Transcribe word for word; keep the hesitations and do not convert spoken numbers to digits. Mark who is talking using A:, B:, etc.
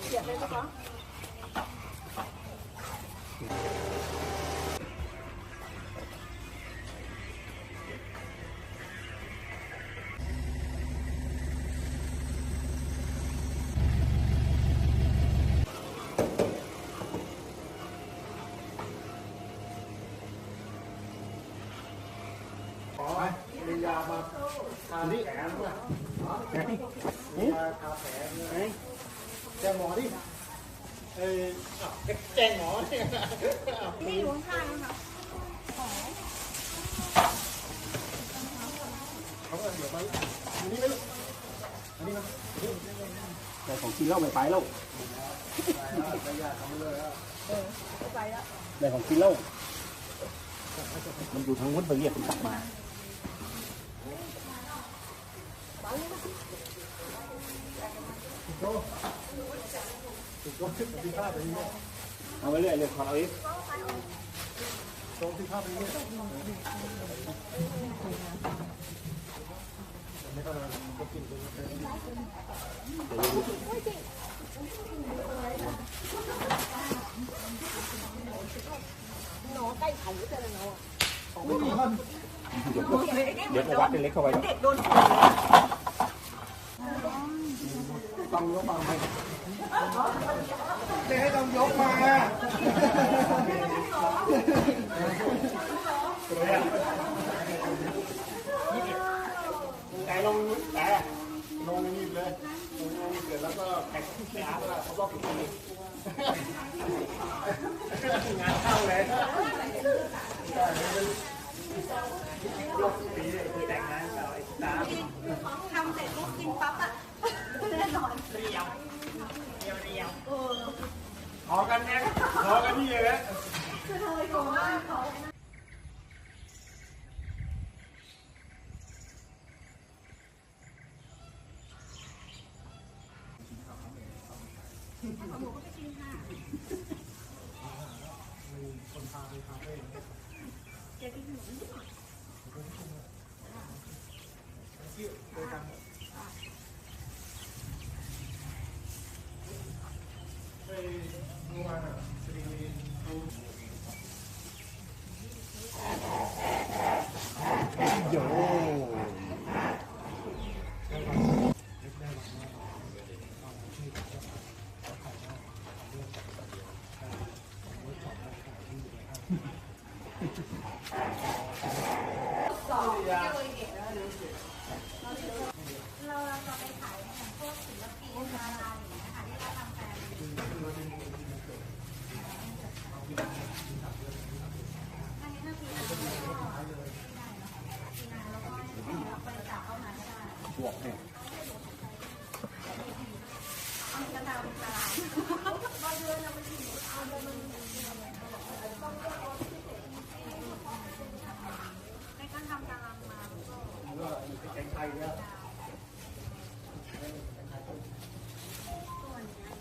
A: เสียบเลยไหมคะ
B: มียามาทาแผลมั้ยมียาทาแผลไหมแจ้งหมอดิเอ้ยแจ้งหมอเนี่ย
A: นี่อยู่ข้างๆนะคะ
B: เขาก็เดี๋ยวมาอันนี้ไหมอันนี้มา
C: แต่ของกินเหล้าไม่ไปแล้ว
B: ไปยาทำเลยอ่ะ
A: เออไปแล้ว
C: แต่ของกินเหล้ามันอยู่ทางวุ้นไปเรียกมันกลับมาเอาไปเรื่อยเลยขอเอาอีก
B: ตรงที่ภาพนี้ไม่ต้องมาก็กินไป
A: หนอใกล้ไข่จะเลยเนาะ
C: เดี๋ยววัดเป็นเล็กเข้าไป
A: เด็กโดน
B: ต้องยกมาให้จะให้ต้องยกมาแต่ลงแต่ลงนี่เลยลงนี่เกิดแล้วก็แข่งที่อาร์ตแล้วเขาบอกกี่ปีงานเข้าเลยยกปีเลยคือแต่งงานกับไอ้ตา
A: ทำเสร็จปุ๊บกินปั๊บอ่ะแน่นอน
B: เรียวเรียวเรียวขอกันเนี่ยขอกันนี่เลยนะ
A: คือเธอโกงมากเขาหนูก็ไปกินค่ะ
B: คนพาไปคาเฟ่
A: เจ๊กินขนมนิดหน่อย
B: ไปกันไปเมื่อวานอ่ะสตรีเขาโย่
A: เราเราจะไปขายอย่างพวกศิลปินดาราอย่างเงี้ยค่ะที่เขาทำแฟนอันนี้ถ้าปีนาก็ได้นะคะปีนาแล้วก็บริจาคเข้ามาก็ได้
C: บวกเนี่ย
A: เอากระดาษตลาด